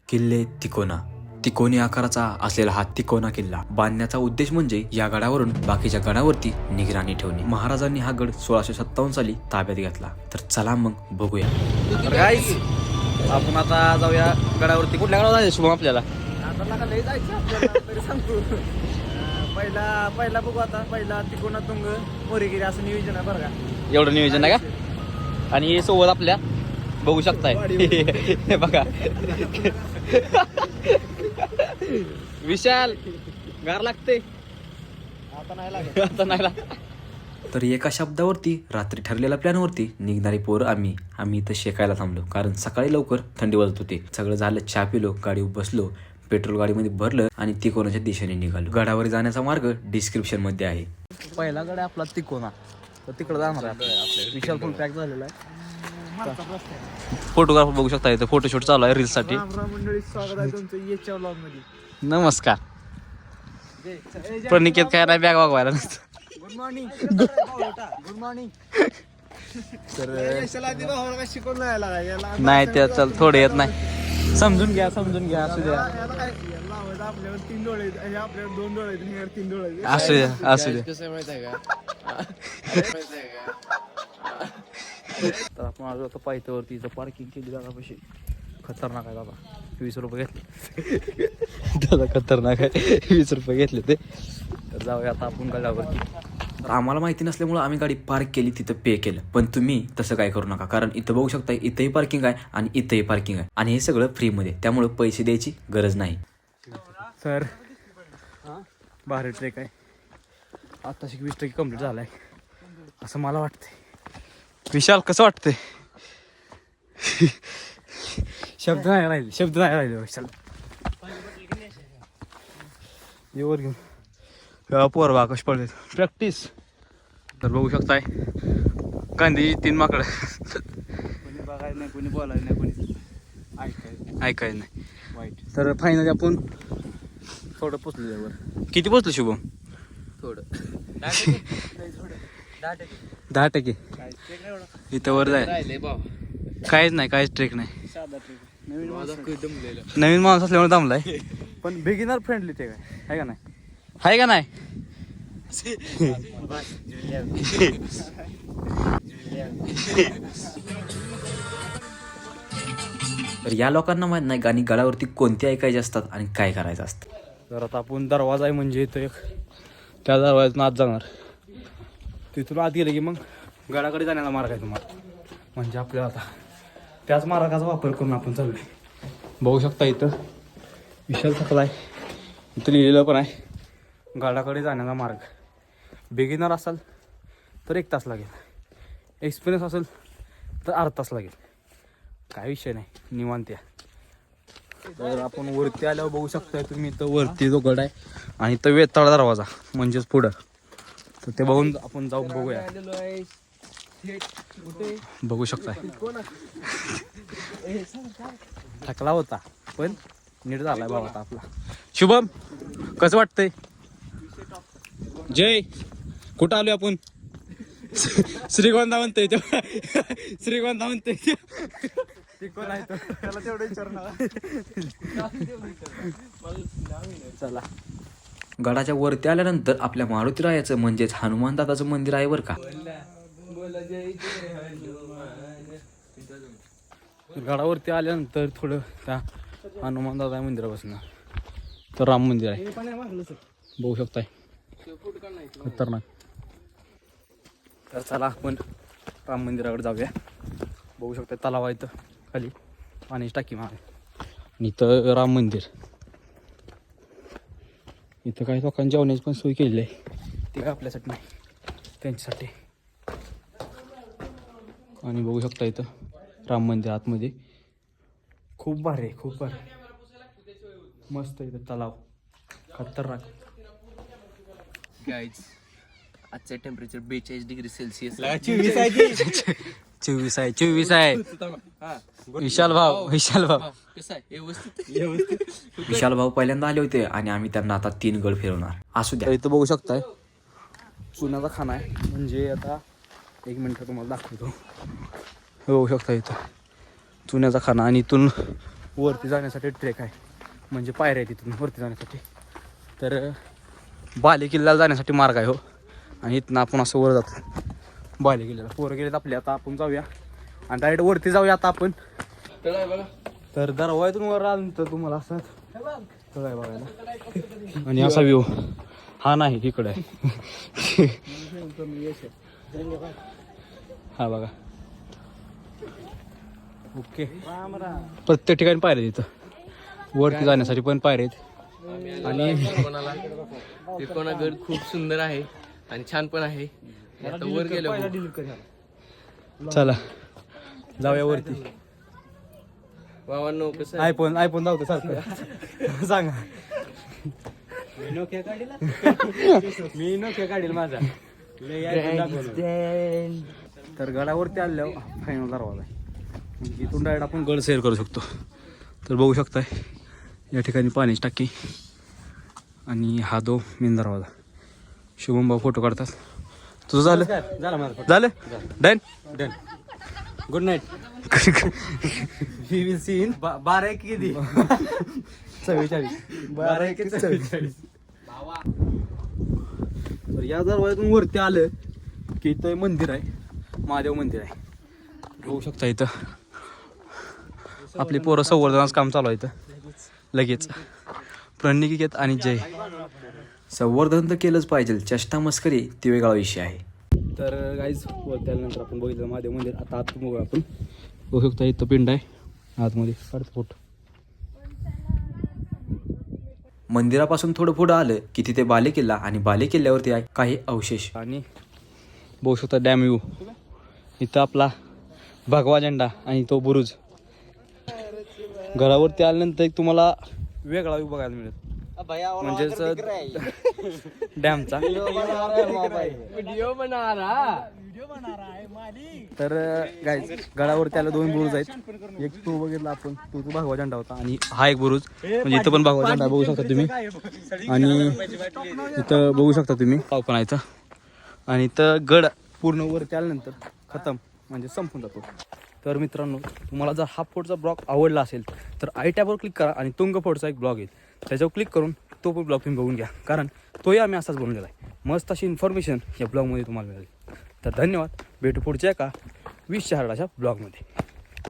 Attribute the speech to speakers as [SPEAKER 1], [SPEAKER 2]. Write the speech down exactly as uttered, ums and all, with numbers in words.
[SPEAKER 1] किल्ले तिकोना. तिकोनी आकाराचा असलेला हा तिकोना किल्ला बांधण्याचा उद्देश म्हणजे या गडावरून बाकीच्या गडावरती निगराणी ठेवणे. महाराजांनी हा गड सोळाशे सत्तावन्न साली ताब्यात घेतला. तर चला मग बघूया.
[SPEAKER 2] गाईस आपण आता जाऊया गडावरती. कुठल्या गडावर जायचं शुभम आपल्याला?
[SPEAKER 3] आता लय जायचं आपल्याला तरी सांगतो. पहिला पहिला बघू आता. पहिला तिकोना तुंग मोरीगिरी असं नियोजन आहे बरं का.
[SPEAKER 2] एवढं नियोजन आहे का? आणि हे सोबत आपल्या बघू शकताय हे बघा विशाल गार लागते
[SPEAKER 3] आता नाही लागत.
[SPEAKER 2] आता नाही लागत.
[SPEAKER 1] तर एका शब्दावरती रात्री ठरलेल्या प्लॅनवरती निघणारी पोरं आम्ही आम्ही इथं शेकायला थांबलो. कारण सकाळी लवकर थंडी वाजत होती. सगळं झालं, चहा पिलो, गाडीवर बसलो, पेट्रोल गाडीमध्ये भरलं आणि तिकोनाच्या दिशेने निघालो. गडावर जाण्याचा मार्ग डिस्क्रिप्शन मध्ये आहे.
[SPEAKER 2] पहिला गड आपला तिकोना. तर तिकडे जाणार आहे आपल्या. विशाल पण पॅक झालेला आहे. फोटोग्राफर बघू शकता इथं फोटोशूट चालू आहे रील्स साठी.
[SPEAKER 3] राम राम मंडळी, स्वागत आहे तुमचं येच्या व्लॉग मध्ये.
[SPEAKER 2] नमस्कार. प्रणिकेत काय नाही बॅग वागवायला नसतं.
[SPEAKER 3] Good morning. Good morning.
[SPEAKER 2] तर
[SPEAKER 3] शिकवून यायला
[SPEAKER 2] नाही त्या चल थोडे येत नाही. समजून घ्या समजून घ्या असू द्या
[SPEAKER 3] आपल्यावर तीन डोळे आहेत, आपल्यावर दोन डोळे आहेत, ह्यावर तीन डोळे आहेत.
[SPEAKER 2] असू द्या असू द्या.
[SPEAKER 4] कसं माहित आहे का? माहित आहे का?
[SPEAKER 2] तर आपण आलो होतो पायथ्यावरती. इथं पार्किंग केली दादा. खतरनाक आहे दादा. वीस रुपये घेतले दादा. खतरनाक आहे. वीस रुपये घेतले ते. तर जाऊया आता आपण गडावरती.
[SPEAKER 1] तर आम्हाला माहिती नसल्यामुळे आम्ही गाडी पार्क केली, तिथं पे केलं. पण तुम्ही तसं काय करू नका. कारण इथं बघू शकता, इथंही पार्किंग आहे आणि इथंही पार्किंग आहे आणि हे सगळं फ्रीमध्ये. त्यामुळे पैसे द्यायची गरज नाही.
[SPEAKER 2] सर भारी ट्रेक आहे. आत्ताशी वीस टक्के कम्प्लीट झालाय असं मला वाटतंय. विशाल कसं वाटतंय? शब्द नाही राहिले शब्द नाही राहिले विशाल. येवर घेऊन पोर बा कश पडले प्रॅक्टिस. तर बघू शकताय गांधी तीन माकड.
[SPEAKER 3] कोणी बघायला नाही, कोणी बोलायला नाही, कोणी ऐकायला
[SPEAKER 2] ऐकायला नाही.
[SPEAKER 3] वाईट.
[SPEAKER 2] तर फायनली आपण थोडं पोचलो त्यावर. किती पोचलो शुभम?
[SPEAKER 4] थोडं
[SPEAKER 2] दहा टक्के. इथं वर जाय
[SPEAKER 4] राहिले भाव.
[SPEAKER 2] काहीच नाही, काहीच ट्रेक नाही.
[SPEAKER 3] साधा ट्रेक. नवीन
[SPEAKER 4] माझा
[SPEAKER 3] माणूस.
[SPEAKER 4] खूप दमलेला.
[SPEAKER 2] नवीन माणूस असल्यामुळे थांबलाय.
[SPEAKER 3] पण बिगिनर फ्रेंडली ट्रेक आहे, आहे का नाही?
[SPEAKER 2] आहे का नाही?
[SPEAKER 1] तर या लोकांना माहित नाही गाणी गडावरती कोणती ऐकायची असतात आणि काय करायचं असतं.
[SPEAKER 2] तर आता आपण दरवाजा आहे म्हणजे इथं एक, त्या दरवाजातून आत जाणार. तिथून आत गेलं की मग गडाकडे जाण्याचा मार्ग आहे तुम्हाला. म्हणजे आपल्याला आता त्याच मार्गाचा वापर करून आपण चाललोय. बघू शकता इथं विशाल थकला आहे. इथं लिहिलेलं पण आहे गडाकडे जाण्याचा मार्ग. बिगिनर असाल तर एक तास लागेल, एक्सपिरियन्स असेल तर अर्धा तास लागेल. काय विषय नाही, निवांत या. तर आपण वरती आल्यावर बघू शकताय तुम्ही इथं वरती जो गड आहे आणि इथं वेताळ दरवाजा म्हणजेच पुढं. तर ते बघून आपण जाऊन बघूया. बघू शकताय थकला होता पण नीट झालाय बाबा आता आपला. शुभम कसं वाटतंय? जय कुठं आलोय आपण? श्रीगोंदा म्हणतोय तो. श्रीगोंदा म्हणतोय
[SPEAKER 3] कोण आहे तो? त्याला तेवढं विचारणार.
[SPEAKER 2] चला.
[SPEAKER 1] गडाच्या वरती आल्यानंतर आपल्या मारुतीरायाचं म्हणजेच हनुमान दादाचं मंदिर आहे बरं का.
[SPEAKER 2] गडावरती आल्यानंतर थोडं त्या हनुमान दादा मंदिरापासून तर राम मंदिर आहे बघू शकताय. खतरनाक. तर चला आपण राम मंदिराकडे जाऊया. बघू शकता तलाव आहे इथं खाली, पाण्याची टाकी मार आणि इथं राम मंदिर. इथं काही लोकांनी जेवण्याची पण सोय केलेली आहे. ती काय आपल्यासाठी नाही, त्यांच्यासाठी. आणि बघू शकता इथं राम मंदिर आतमध्ये खूप भारी आहे, खूप भारी मस्त. इथं तलाव खतरनाक.
[SPEAKER 4] गाईज आजचं टेम्परेचर बेचाळीस डिग्री सेल्सिअस.
[SPEAKER 2] चोवीस आहे चोवीस आहे. विशाल भाऊ विशाल भाऊ
[SPEAKER 4] कसं आहे? व्यवस्थित.
[SPEAKER 1] विशाल भाऊ पहिल्यांदा आले होते आणि आम्ही त्यांना आता तीन गड फिरवणार. असू द्या.
[SPEAKER 2] तर इथं बघू शकताय चुन्याचा खाना आहे. म्हणजे आता एक मिनिट तुम्हाला दाखवतो. बघू शकता इथं चुन्याचा खाना आणि इथून वरती जाण्यासाठी ट्रेक आहे, म्हणजे पायऱ्या आहे तिथून वरती जाण्यासाठी. तर बाले किल्ल्याला जाण्यासाठी मार्ग आहे हो. आणि इथनं आपण असं वर जातो बाले किल्ल्याला. पोरं गेलेत आपले, आता आपण जाऊया आणि डायरेक्ट वरती जाऊया आता आपण. तर दरवाजातून वर आलं तर तुम्हाला असं तळ आहे बघायला. आणि असा व्ह्यू हा नाही इकडे आहे. हा बघा. ओके. प्रत्येक ठिकाणी पायऱ्या तिथं वरती जाण्यासाठी पण पायऱ्या आहेत. आणि
[SPEAKER 4] त्रिकोणागड खूप सुंदर आहे आणि छान पण आहे. आता वर गेलो
[SPEAKER 2] चला जाऊया वरती.
[SPEAKER 4] वावांनो कसं
[SPEAKER 2] आयफोन आयफोन जाऊ सारखं सांगा. मी नोकिया काढील मी नोकिया काढील माझा. तर गडावरती आल्यावर फायनल दरवाजा आहे, म्हणजे इथून डायरेक्ट आपण गड सैर करू शकतो. तर बघू शकताय या ठिकाणी पाण्याची टाकी आणि हा दो मेन दरवाजा. शुभम भाऊ फोटो काढतात. तुझं झालं झालं done done. Good night. We will see in बारा एक किती चव्वेचाळीस बारा एक चव्वेचाळीस. तर या दरवाजातून वरती आलं की इथं मंदिर आहे, महादेव मंदिर आहे. बघू शकता इथं आपली पोरं संवर्धनाचं काम चालू आहे इथं. लगेच प्रणिकेत आणि जय.
[SPEAKER 1] संवर्धन तर केलंच पाहिजे, चेष्टा मस्करी ती वेगळा विषय आहे.
[SPEAKER 2] तर गाईज वरती आल्यानंतर आपण बघितलं महादेव मंदिर. आता आत बघू आपण. बघू शकता इथं पिंड आहे आतमध्ये. काढतो फोटो.
[SPEAKER 1] मंदिरापासून थोडं पुढं आलं की तिथे बाले किल्ला आणि बाले किल्ल्यावरती आहे काही अवशेष.
[SPEAKER 2] आणि बघू शकता डॅम व्ह्यू. इथं आपला भगवा झेंडा आणि तो बुरुज. घरावरती आल्यानंतर एक तुम्हाला वेगळा व्ह्यू बघायला मिळेल, म्हणजेच डॅमचा.
[SPEAKER 4] व्हिडिओ बना रहा.
[SPEAKER 2] तर गाईज गडावरती आल्या दोन बुरुज आहेत. एक तो बघितला आपण, तो तो भगवा झेंडा होता. आणि हा एक बुरुज, म्हणजे इथं पण भगवा झेंडा बघू शकता तुम्ही. आणि इथं बघू शकता तुम्ही पाव पण आहे इथं. आणि इथं गड पूर्ण वरती आल्यानंतर खतम, म्हणजे संपून जातो. तर मित्रांनो, तुम्हाला जर हा फोटोचा ब्लॉग आवडला असेल तर आय टॅबवर क्लिक करा आणि तुंग फोटोचा एक ब्लॉग येईल, त्याच्यावर क्लिक करून तो पण ब्लॉग तुम्ही बघून घ्या, कारण तोही आम्ही असाच बनवलेला आहे. मस्त अशी इन्फॉर्मेशन या ब्लॉगमध्ये तुम्हाला मिळेल. तर धन्यवाद. भेटू पुढच्या एका वीस शहराच्या ब्लॉगमध्ये.